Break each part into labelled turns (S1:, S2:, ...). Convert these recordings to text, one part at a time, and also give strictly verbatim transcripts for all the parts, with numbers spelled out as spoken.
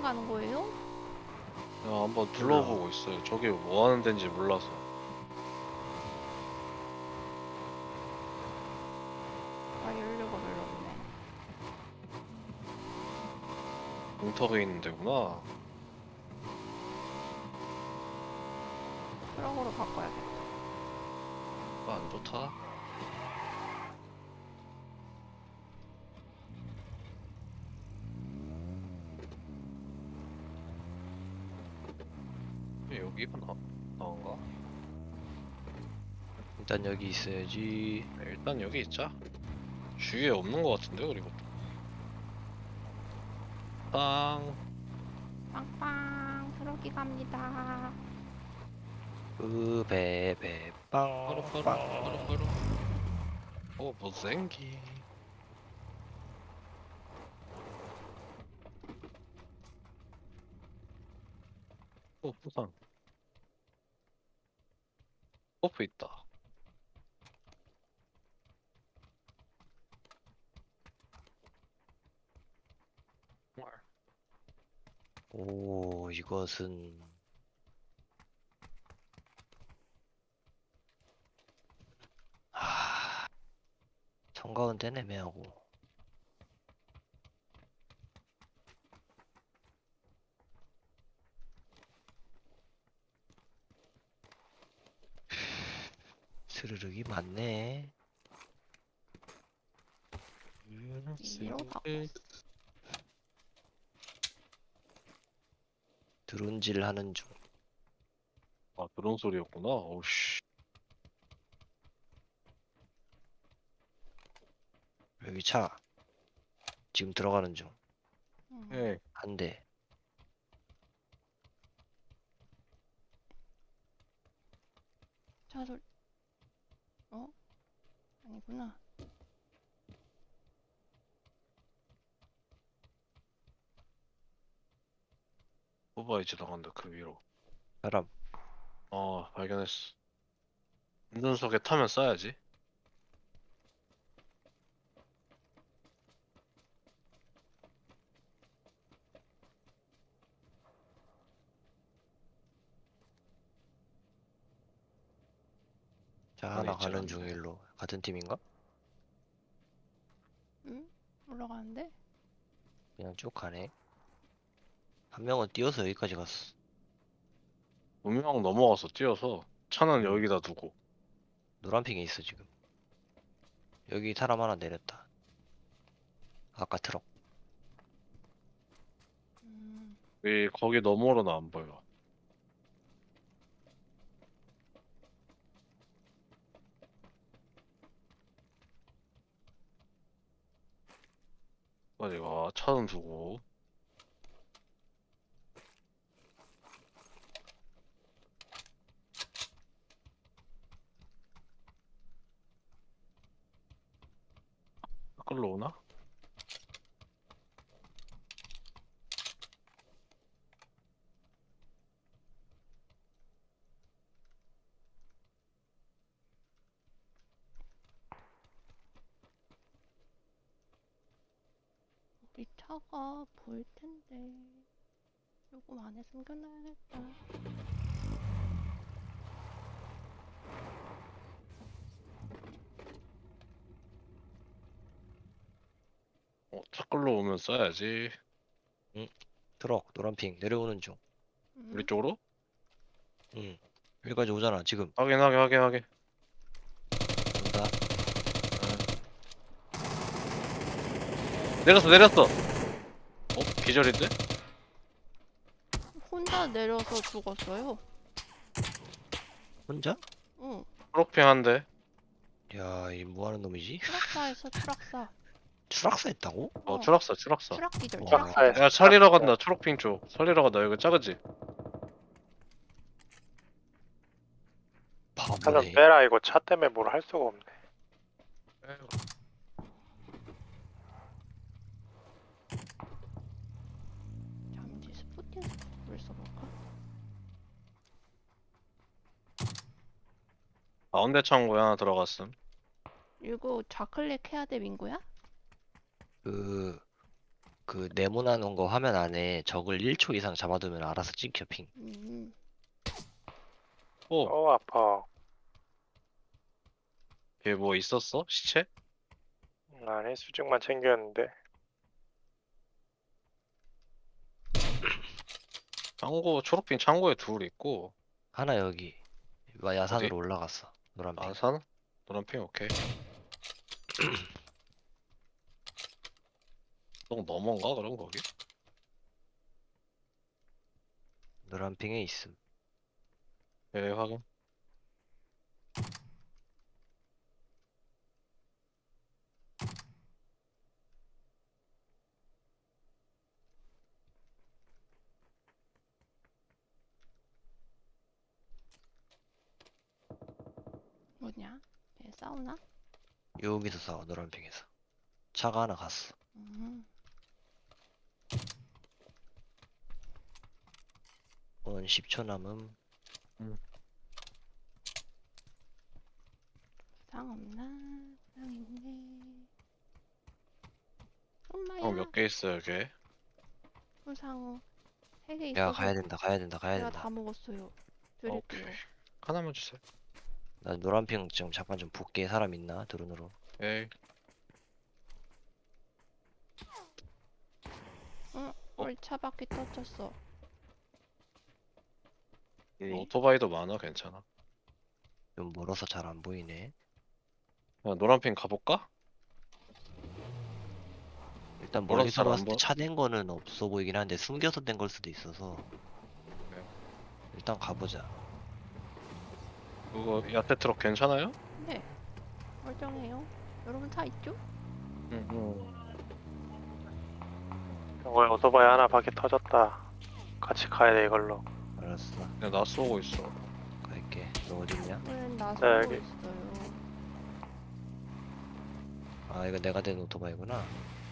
S1: 가는 거예요?
S2: 그냥 한번 둘러보고 있어요. 저게 뭐 하는 데인지 몰라서.
S1: 아, 연료가 별로 없네.
S2: 공터에 있는 데구나.
S1: 트럭으로 바꿔야겠다.
S2: 아, 안 좋다. 여기가 나, 나온가?
S3: 일단 여기 있어야지.
S2: 네, 일단 여기 있자. 주위에 없는 것 같은데, 그리고. 빵.
S1: 빵빵, 트럭이 갑니다.
S3: 으베베
S2: 빠루, 빠루, 빠루,
S3: 빵빵.
S2: 빠루. 어, 못생기. 어, 부상. 버프 있다. 정말.
S3: 오, 이것은 아, 청가운데 애매하고. 스르륵이 많네.
S1: 이로 바꿔.
S3: 드론질 하는 중.
S2: 아, 그런 소리였구나. 오우씨.
S3: 여기 차 지금 들어가는 중.
S1: 음,
S2: 예.
S3: 한 대.
S1: 차 소리. 어? 아니구나.
S2: 오바이 지나간다, 그 위로.
S3: 사람.
S2: 어, 발견했어. 운전석에 타면 쏴야지.
S3: 자,
S2: 안에
S3: 하나
S2: 있질
S3: 가는
S2: 않네.
S3: 중 일로. 같은 팀인가?
S1: 응? 올라가는데?
S3: 그냥 쭉 가네. 한 명은 뛰어서 여기까지 갔어.
S2: 분명 넘어가서 뛰어서 차는
S3: 음,
S2: 여기다 두고.
S3: 노란 핑에 있어 지금. 여기 사람 하나 내렸다. 아까 트럭.
S1: 음,
S2: 왜 거기 너머로는 안 보여. 빨리 와, 차는 두고. 끌러 오나?
S1: 우리 차가 보일 텐데. 요금 안에 숨겨놔야겠다.
S2: 어, 차 끌러 오면 쏴야지.
S3: 응? 트럭 노란 핑 내려오는 중.
S2: 우리
S1: 음,
S2: 쪽으로?
S3: 응. 여기까지 오잖아 지금.
S2: 확인, 확인, 확인, 확인.
S3: 온다.
S2: 아. 내렸어, 내렸어! 어? 기절인데?
S1: 혼자 내려서 죽었어요.
S3: 혼자?
S1: 응,
S2: 초록핑 한 대.
S3: 야, 이 뭐하는 놈이지?
S1: 추락사에서 추락사.
S3: 추락사 했다고?
S2: 어,
S1: 어,
S2: 추락사, 추락사.
S1: 추락 기절, 추락
S3: 와,
S1: 기절.
S2: 야, 살리러 간다, 초록핑 쪽. 살리러 간다, 여기 작은지.
S4: 차 좀
S3: 바보네.
S4: 빼라. 이거 차 때문에 뭘 할 수가 없네.
S1: 잠시 스포팅 스코프를 써볼까?
S2: 가운데 창고에 하나 들어갔음.
S1: 이거 좌클릭 해야 돼, 민구야?
S3: 그 그 네모나는 거 화면 안에 적을 일 초 이상 잡아두면 알아서 찍혀 핑.
S1: 음,
S2: 오,
S4: 어 아파.
S2: 얘 뭐 있었어? 시체?
S4: 아니 수직만 챙겼는데.
S2: 창고, 초록핑 창고에 둘 있고,
S3: 하나 여기 와,
S2: 어디?
S3: 야산으로 올라갔어. 노란 핑.
S2: 아산? 노란핑 오케이. 똥 넘어가 그럼 거기?
S3: 노란 핑에 있음.
S2: 예, 확인.
S1: 뭐냐? 얘 싸우나?
S3: 여기서 싸워 노란 핑에서. 차가 하나 갔어.
S1: 음,
S3: 원 십 초 남음.
S1: 부상 없나? 부상 있네. 엄마야.
S2: 어, 몇 개 있어 여기?
S1: 부상 세 개
S3: 야
S1: 있어서
S3: 가야 된다 가야 된다 가야
S1: 제가
S3: 된다.
S1: 다 먹었어요.
S2: 오케이.
S1: 드릴게요.
S2: 하나만 주세요.
S3: 나 노란 핑 지금 잠깐 좀 볼게. 사람 있나 드론으로.
S2: 에이.
S1: 응, 우리 차 바퀴 터졌어.
S2: 음,
S1: 네?
S2: 오토바이도 많아 괜찮아.
S3: 좀 멀어서 잘 안 보이네.
S2: 야, 노란핑 가볼까?
S3: 일단
S2: 멀어서
S3: 멀리서
S2: 잘 안
S3: 봤을 때
S2: 보.
S3: 차 낸 거는 없어 보이긴 한데 숨겨서 된 걸 수도 있어서
S2: 네.
S3: 일단 가보자.
S2: 그거 야채 트럭 괜찮아요?
S1: 네, 멀쩡해요. 여러분 차 있죠?
S2: 응. 응.
S4: 경고에 오토바이 하나 바퀴 터졌다. 같이 가야 돼 이걸로.
S3: 알았어.
S2: 야, 나 쏘고 있어.
S3: 갈게. 너 어딨냐?
S1: 우린 나
S4: 네,
S1: 쏘고
S4: 여기.
S1: 있어요.
S3: 아 이거 내가 된 오토바이구나.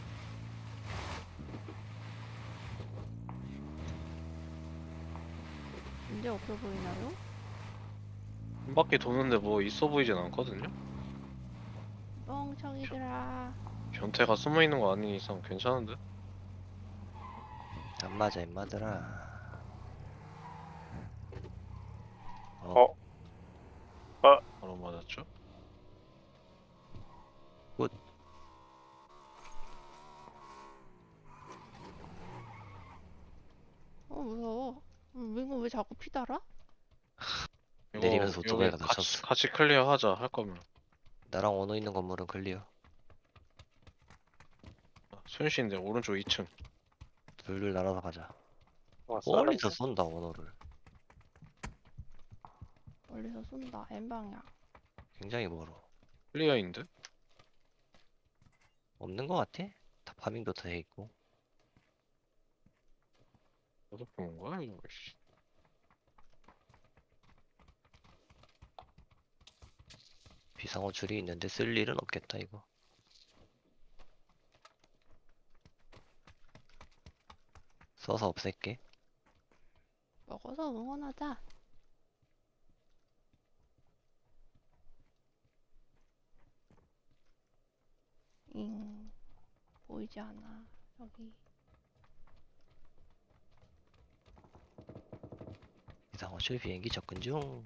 S1: 문제 없어 보이나요?
S2: 한 바퀴 도는데 뭐 있어 보이진 않거든요?
S1: 멍청이들아.
S2: 변태가 숨어 있는 거 아닌 이상 괜찮은데?
S3: 안 맞아 임마들아. 어,
S4: 어?
S2: 바로 맞았죠?
S3: 굿.
S1: 어, 무서워. 음, 이거 왜 자꾸 피 달아?
S2: 이거
S3: 내리면서
S2: 여기
S3: 오토바이가
S2: 같이
S3: 다쳤어.
S2: 같이 클리어하자 할 거면.
S3: 나랑 원호 있는 건물은 클리어.
S2: 순시인데 오른쪽 이 층.
S3: 둘둘 날아서 가자.
S4: 와
S3: 멀리서
S4: 썰었네.
S3: 쏜다 원호를.
S1: 멀리서 쏜다. N방향.
S3: 굉장히 멀어.
S2: 클리어인데?
S3: 없는 거 같아? 다 파밍도 다 해있고.
S2: 어디서 본 거야 이거? 씨.
S3: 비상호 줄이 있는데 쓸 일은 없겠다 이거. 써서 없앨게.
S1: 먹어서 응원하자. 잉. 보이지 않아. 여기.
S3: 비상호 줄 비행기 접근 중.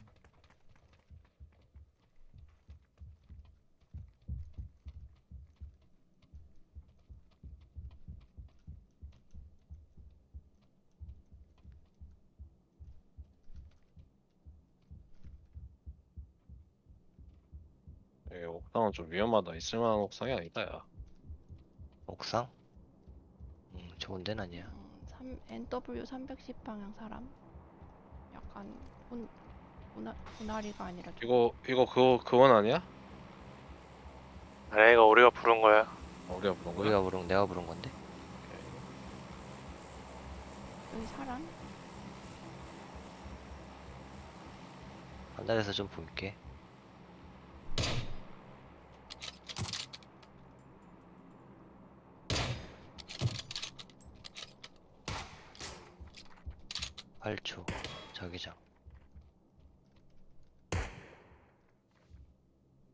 S2: 이 옥상은 좀 위험하다. 있을만한 옥상이 아니다 야.
S3: 옥상? 음 좋은 데는 아니야.
S1: 음, 삼, 엔더블유 삼백십 방향 사람. 약간 본, 보나, 보나리가 아니라 좀
S2: 이거 이거 그거 그건 아니야?
S4: 아니 이거 우리가 부른 거야.
S2: 어, 우리가 부른 거야?
S3: 우리가 부른 내가 부른 건데.
S1: 여기 사람?
S3: 하늘에서 좀 볼게. 팔 초 자기장.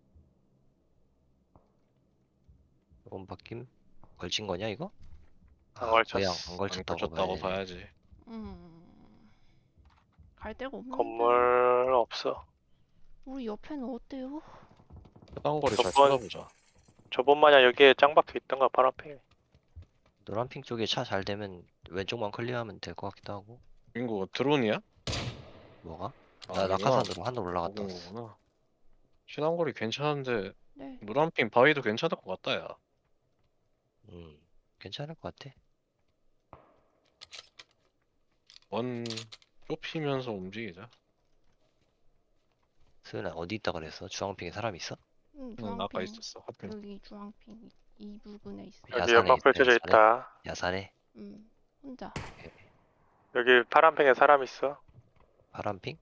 S3: 이건 바뀜? 걸친 거냐 이거? 아,
S4: 안
S3: 거의 안,
S4: 걸쳤어.
S3: 안
S2: 안
S3: 걸쳤다고
S2: 걸쳤다고
S3: 봐야지.
S2: 봐야지.
S1: 음. 갈 데가 없는데.
S4: 건물 없어.
S1: 우리 옆에는 어때요?
S2: 최단거리 잘
S4: 저번-
S2: 찾아보자.
S4: 저번 마냥 여기에 짱박혀 있던가 파란팽이.
S3: 노란핑 쪽에 차 잘 되면 왼쪽만 클리어하면 될 것 같기도 하고.
S2: 민구 드론이야?
S3: 뭐가?
S2: 아,
S3: 나
S2: 아니구나.
S3: 낙하산으로 하늘 올라갔다
S2: 먹은
S3: 왔어.
S2: 거구나. 최단거리 괜찮은데
S1: 네.
S2: 노란핑 바위도 괜찮을 것 같다 야.
S3: 음, 괜찮을 것 같아.
S2: 원 좁히면서 움직이자.
S3: 수연아 어디 있다 그랬어? 주황핑에 사람 있어?
S1: 음,
S2: 응, 아까
S1: 주황핑.
S2: 있었어. 하필.
S1: 여기 주황핑 이, 이 부분에 있어.
S4: 여기
S3: 야산에
S4: 연막
S3: 있어,
S4: 펼쳐져
S3: 야산에?
S4: 있다.
S3: 야산에?
S1: 음. 혼자.
S4: 여기 파란팽에 사람 있어.
S3: 파란핑?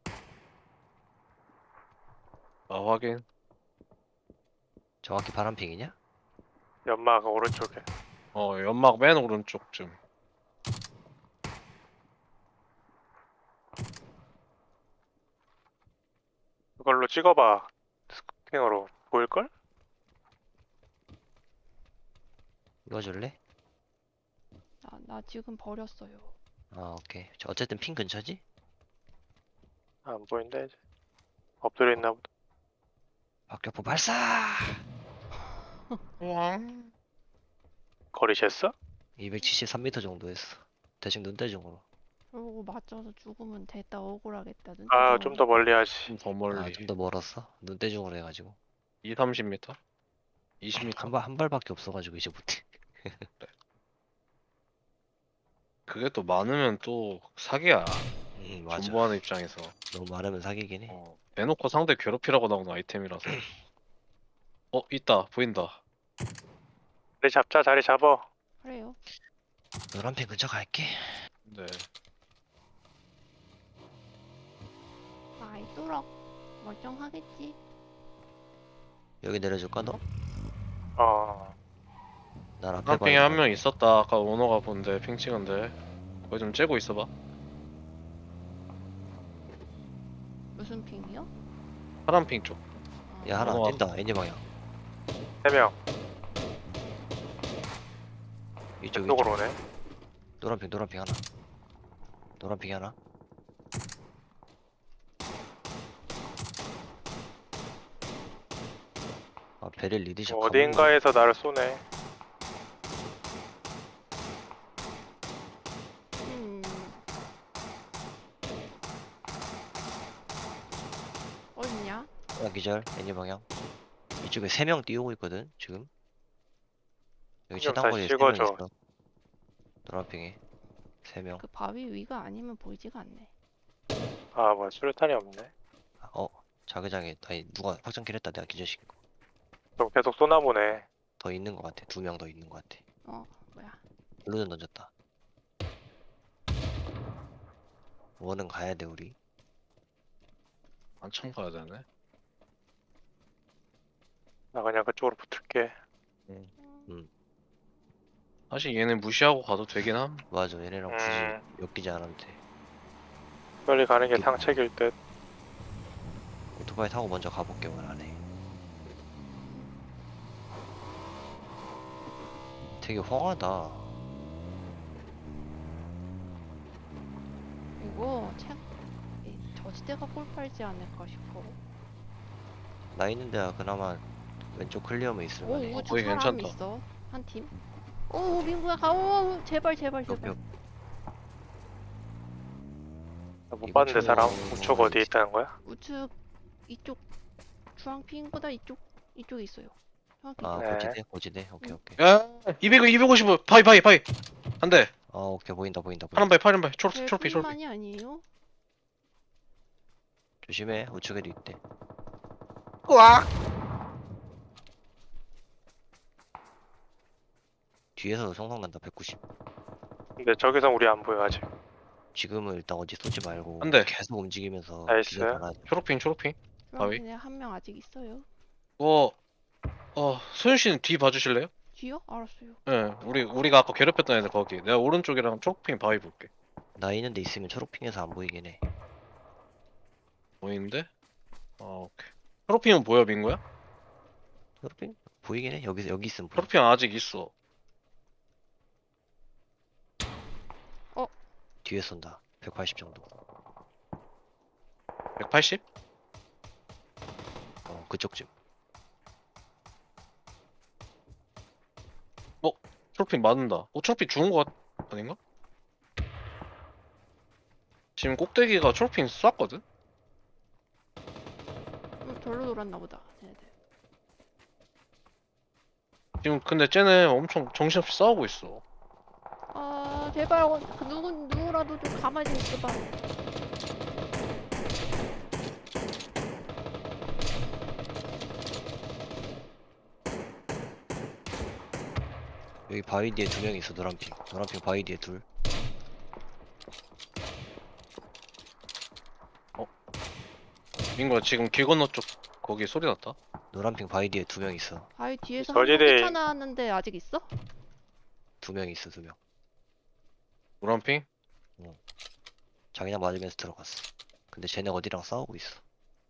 S2: 아 확인.
S3: 정확히 파란핑이냐?
S4: 연막 오른쪽에.
S2: 어 연막 맨 오른쪽쯤.
S4: 이걸로 찍어봐. 스쿠팅으로 보일걸?
S3: 이거 줄래?
S1: 나, 나 지금 버렸어요.
S3: 아, 오케이. 저 어쨌든 핑 근처지?
S4: 안 보인다 이제. 엎드려 있나 보다.
S3: 박격포 발사!
S2: 우왕.
S4: 거리 쟀어?
S3: 이백칠십삼 미터 정도 했어. 대충 눈대중으로.
S1: 그러고 맞춰서 죽으면 됐다 억울하겠다. 눈
S4: 아,
S1: 뜨거워.
S4: 좀 더 멀리 하지.
S2: 좀 더
S3: 아,
S2: 멀리.
S3: 좀 더 멀었어? 눈대중으로 해가지고.
S2: 이, 삼십 미터? 이십 미터?
S3: 한 발, 한 발밖에 없어가지고 이제 못해.
S2: 그게 또 많으면 또 사기야.
S3: 음, 맞아.
S2: 존버하는 입장에서.
S3: 너무 많으면 사기긴 해.
S2: 어, 대놓고 상대 괴롭히라고 나오는 아이템이라서. 어, 있다. 보인다.
S4: 자리 잡자, 자리 잡어.
S1: 그래요.
S3: 노란핑 근처 갈게.
S2: 네.
S1: 아이 뚜럭. 멀쩡하겠지.
S3: 여기 내려줄까 너?
S4: 어,
S3: 난 앞에
S2: 파란핑에
S3: 봐야
S2: 한 명
S3: 되는데.
S2: 있었다. 아까 오너가 본데 핑 찍은데. 거기 좀 째고 있어봐.
S1: 무슨 핑이요?
S2: 파란핑 쪽.
S1: 아,
S3: 야, 하나
S2: 넘어가.
S3: 뛴다. 애니 방향.
S4: 세 명.
S3: 이쪽,
S4: 이쪽으로
S3: 이쪽.
S4: 오네.
S3: 노란핑, 노란핑 하나. 노란핑 하나. 아, 베릴 리드샷
S4: 뭐
S3: 가보네.
S4: 어딘가에서 나를 쏘네.
S1: 음. 어딨냐?
S3: 야, 기절. 애니 방향. 이쪽에 세 명 뛰어오고 있거든, 지금. 여기
S4: 좀
S3: 최단거리에
S4: 다시
S3: 세 명
S4: 찍어줘.
S3: 있어. 노란핑에. 세 명.
S1: 그 바위 위가 아니면 보이지가 않네.
S4: 아, 뭐야, 수류탄이 없네.
S3: 아, 어, 자기장에, 아니, 누가 확정킬 했다. 내가 기절시킨 거.
S4: 좀 계속 쏘나 보네.
S3: 더 있는 것 같아. 두 명 더 있는 것 같아.
S1: 어, 뭐야?
S3: 블루전 던졌다. 원은 가야 돼, 우리.
S2: 한참 가야 되네.
S4: 나 그냥 그쪽으로 붙을게.
S1: 음.
S2: 사실 얘네 무시하고 가도 되긴 함.
S3: 맞아, 얘네랑 굳이
S4: 음.
S3: 엮이지 않아도 돼.
S4: 빨리 가는 게
S3: 이게-
S4: 상책일 듯.
S3: 오토바이 타고 먼저 가볼게, 원 안에. 되게 황하다.
S1: 이거 책 이 저지대가 꼴팔지 않을까 싶어.
S3: 나 있는 데가 그나마 왼쪽 클리어면
S1: 오
S3: 있을만해.
S1: 우측
S2: 거기
S1: 사람
S2: 괜찮다.
S1: 있어. 한 팀. 오 민구야 가. 오 제발 제발
S3: 몇
S1: 제발.
S3: 명?
S4: 나못
S3: 이거
S4: 봤는데 사람
S3: 좀-
S4: 우측 어디에 있다는 거야?
S1: 우측 이쪽 주황핑보다 이쪽 이쪽에 있어요. 정확히
S3: 아,
S1: 이쪽.
S4: 네.
S3: 고지대? 고지대? 오케이,
S1: 응.
S3: 오케이.
S2: 야, 이백, 이백오십. 바위, 바위, 바위. 한 대.
S3: 아, 오케이. 보인다, 보인다,
S2: 파란
S3: 보인다.
S2: 바위, 파란 바위. 초록,
S1: 제일
S2: 초록빛, 초록빛.
S1: 뿐만이 아니에요.
S3: 조심해. 우측에도 있대.
S2: 으악!
S3: 뒤에서도 성성 난다, 백구십.
S4: 근데 저기서 우리 안 보여 아직.
S3: 지금은 일단 어디 쏘지 말고
S2: 안 돼.
S3: 계속 움직이면서
S4: 나이스.
S3: 기절 달아야 돼.
S2: 초록핑, 초록핑. 바위?
S1: 주황핑에 한 명 아직 있어요.
S2: 어, 어, 소윤 씨는 뒤 봐주실래요?
S1: 뒤요? 알았어요.
S2: 예, 우리, 우리가 아까 괴롭혔던 애들 거기. 내가 오른쪽이랑 초록핑 바위 볼게.
S3: 나 있는 데 있으면 초록핑에서 안 보이긴 해.
S2: 보이는데? 아, 오케이. 초록핑은 보여, 민구야?
S3: 초록핑? 보이긴 해. 여기, 여기 있으면 보여.
S2: 초록핑 아직 있어.
S3: 뒤에 쏜다. 백팔십 정도.
S2: 백팔십?
S3: 어, 그쪽쯤.
S2: 트로피 맞는다. 어, 트로피 죽은 거 같... 아닌가? 지금 꼭대기가 트로피 쐈거든?
S1: 음, 절로 돌았나 보다. 쟤네들.
S2: 지금 근데 쟤네 엄청 정신없이 싸우고 있어.
S1: 아 제발 어, 그 누구 누구라도 좀 가만히 좀 있어봐.
S3: 여기 바위 뒤에 두 명 있어. 노란핑. 노란핑 바위 뒤에 둘.
S2: 민구야 지금 길 건너 쪽 거기 소리 났다.
S3: 노란핑 바위 뒤에 두 명 있어.
S1: 바위 뒤에서 한 명
S4: 저지대-
S1: 뛰쳐나왔는데 아직 있어?
S3: 두 명 있어. 두 명.
S2: 노란핑?
S3: 자기장 맞으면서 들어갔어. 근데 쟤네 어디랑 싸우고 있어.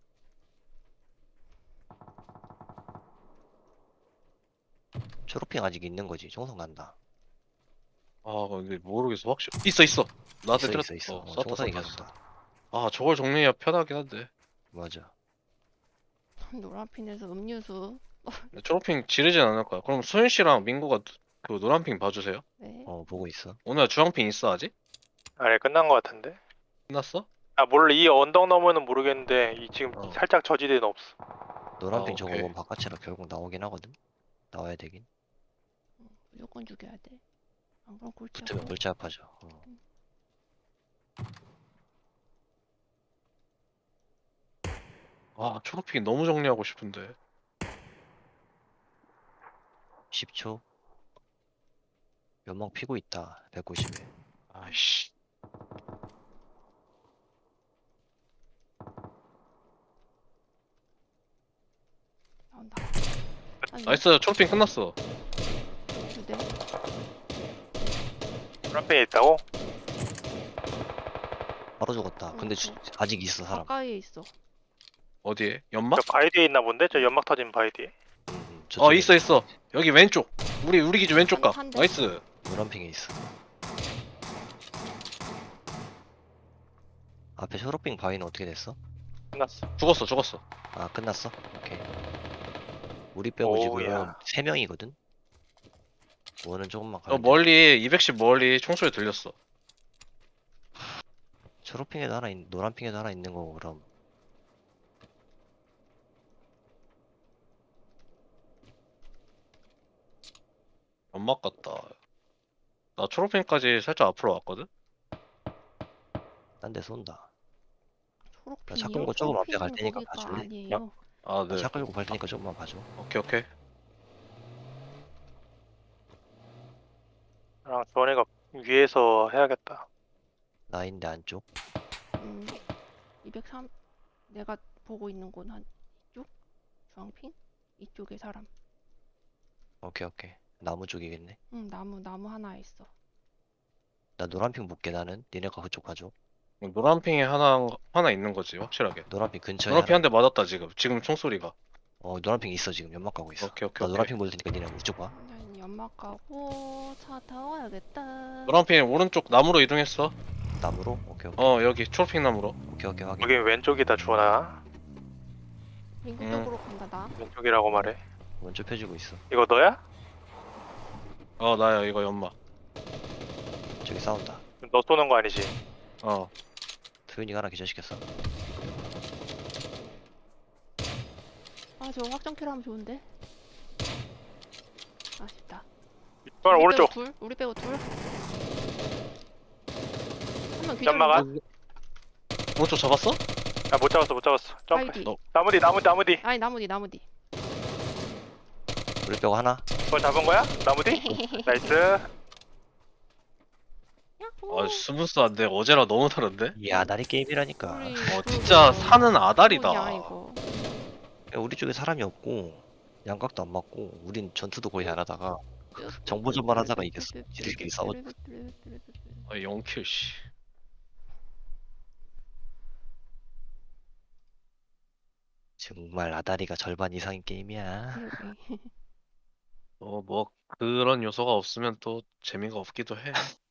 S3: 초록핑 아직 있는 거지. 총성 간다.
S2: 아 근데 모르겠어 확실. 있어 있어. 나한테
S3: 있어
S2: 때렸.
S3: 있어 있어.
S2: 어,
S3: 어,
S2: 쐈다
S3: 총성이
S2: 쐈다
S3: 계속
S2: 쐈다.
S3: 다.
S2: 아 저걸 정리해야 편하긴 한데.
S3: 맞아.
S1: 노란핀에서 음료수.
S2: 근데 초록핑 지르진 않을 거야. 그럼 소윤 씨랑 민구가 그 노란핑 봐주세요.
S1: 네.
S3: 어, 보고 있어.
S2: 오늘 주황핑 있어 아직?
S4: 아니 끝난 거 같은데.
S2: 끝났어?
S4: 아 몰라 이 언덕 너머는 모르겠는데 이 지금
S2: 어.
S4: 살짝 저지대는 없어.
S3: 노란핑
S2: 아,
S3: 저거
S2: 오케이.
S3: 원 바깥으로 결국 나오긴 하거든. 나와야 되긴.
S1: 무조건 죽여야 돼. 안 그럼 골치
S3: 붙으면
S1: 아파.
S3: 골치 아파져. 어.
S2: 아 초록핑 너무 정리하고 싶은데.
S3: 십 초. 연막 피고 있다. 백구십에.
S2: 아이씨.
S1: 나온다. 아니,
S2: 나이스 초록핑 끝났어.
S1: 두 대.
S4: 프라페에 있다고?
S3: 바로 죽었다. 근데
S1: 어,
S3: 주-
S1: 어.
S3: 아직 있어 사람.
S1: 가까이에 있어.
S2: 어디에? 연막?
S4: 저 바위 뒤에 있나 본데? 저 연막 터진 바위 뒤에.
S3: 음, 음,
S2: 어
S3: 저쪽에
S2: 있어 있어. 여기 왼쪽. 우리 우리 기준 왼쪽 각.
S1: 한- 한 대.
S2: 나이스.
S3: 노란핑에 있어. 앞에 초록핑 바위는 어떻게 됐어?
S4: 끝났어.
S2: 죽었어 죽었어.
S3: 아 끝났어? 오케이. 우리 빼고
S4: 오우야.
S3: 지금 세 명이거든. 원은 조금만
S2: 어
S3: 가면 돼.
S2: 멀리 이백십 멀리 총소리 들렸어.
S3: 초록핑에도 하나 있, 노란핑에도 하나 있는 거고 그럼.
S2: 연막 같다. 나 초록핑까지 살짝 앞으로 왔거든.
S3: 딴 데 쏜다.
S1: 초록핀이요?
S3: 차 끌고 조금 앞에 갈
S1: 초록핀은
S3: 테니까
S1: 거기가
S3: 봐줄래?
S1: 아니에요.
S2: 아
S3: 나
S2: 네.
S3: 차 끌고 갈 테니까 조금만 봐줘.
S2: 오케이 오케이.
S4: 나랑 조원이가 위에서 해야겠다.
S3: 나인데 안쪽.
S1: 음, 이백삼. 내가 보고 있는 곳 한 이쪽? 주황핀? 이쪽에 사람.
S3: 오케이 오케이. 나무 쪽이겠네.
S1: 응, 나무 나무 하나 있어.
S3: 나 노란핑 볼게 나는. 니네가 그쪽 봐줘.
S2: 노란핑에 하나 하나 있는 거지 확실하게.
S3: 노란핑 근처에
S2: 노란핑
S3: 하나.
S2: 한 대 맞았다 지금. 지금 총소리가.
S3: 어 노란핑 있어 지금 연막 가고 있어.
S2: 오케이 오케이
S3: 나
S2: 오케이.
S3: 노란핑 볼 테니까 니네 이쪽 봐.
S1: 난 연막 가고 차 타와야겠다.
S2: 노란핑 오른쪽 나무로 이동했어.
S3: 나무로? 오케이 오케이.
S2: 어 여기 초록핑 나무로.
S3: 오케이 오케이 확인.
S4: 여기 왼쪽이다 주원아.
S1: 민구
S2: 음.
S1: 쪽으로 간다 나.
S4: 왼쪽이라고 말해.
S3: 먼저 펴주고 있어.
S4: 이거 너야?
S2: 어 나야 이거 연막.
S3: 저기 싸운다.
S4: 너 쏘는 거 아니지?
S2: 어.
S3: 소윤이가 하나 기절시켰어.
S1: 아 저거 확정키로 하면 좋은데. 아쉽다.
S4: 주원
S1: 우리
S4: 오른쪽.
S1: 빼고 둘? 우리 빼고 둘? 한명 기절.
S4: 연막아?
S2: 오른쪽 잡았어?
S4: 아 못 잡았어 못 잡았어. 점프.
S1: 바위 뒤.
S2: 너-
S4: 나무 뒤 나무 나무 뒤.
S1: 아니 나무 뒤 나무 뒤.
S3: 우리 빼고 하나.
S4: 그걸 잡은 거야? 나무 뒤? 나이스.
S1: 야호.
S2: 아 스무스한데 어제랑 너무 다른데?
S3: 이 아다리 게임이라니까.
S1: 우리
S2: 어
S1: 그러게.
S2: 진짜 산은 아다리다.
S1: 뭐냐, 이거.
S3: 야, 우리 쪽에 사람이 없고 양각도 안 맞고 우린 전투도 거의 안 하다가 정보전만 하다가 이겼어. 지들끼리 싸웠.
S2: 아 영킬 씨.
S3: 정말 아다리가 절반 이상인 게임이야.
S1: 그러게.
S2: 어 뭐 그런 요소가 없으면 또 재미가 없기도 해.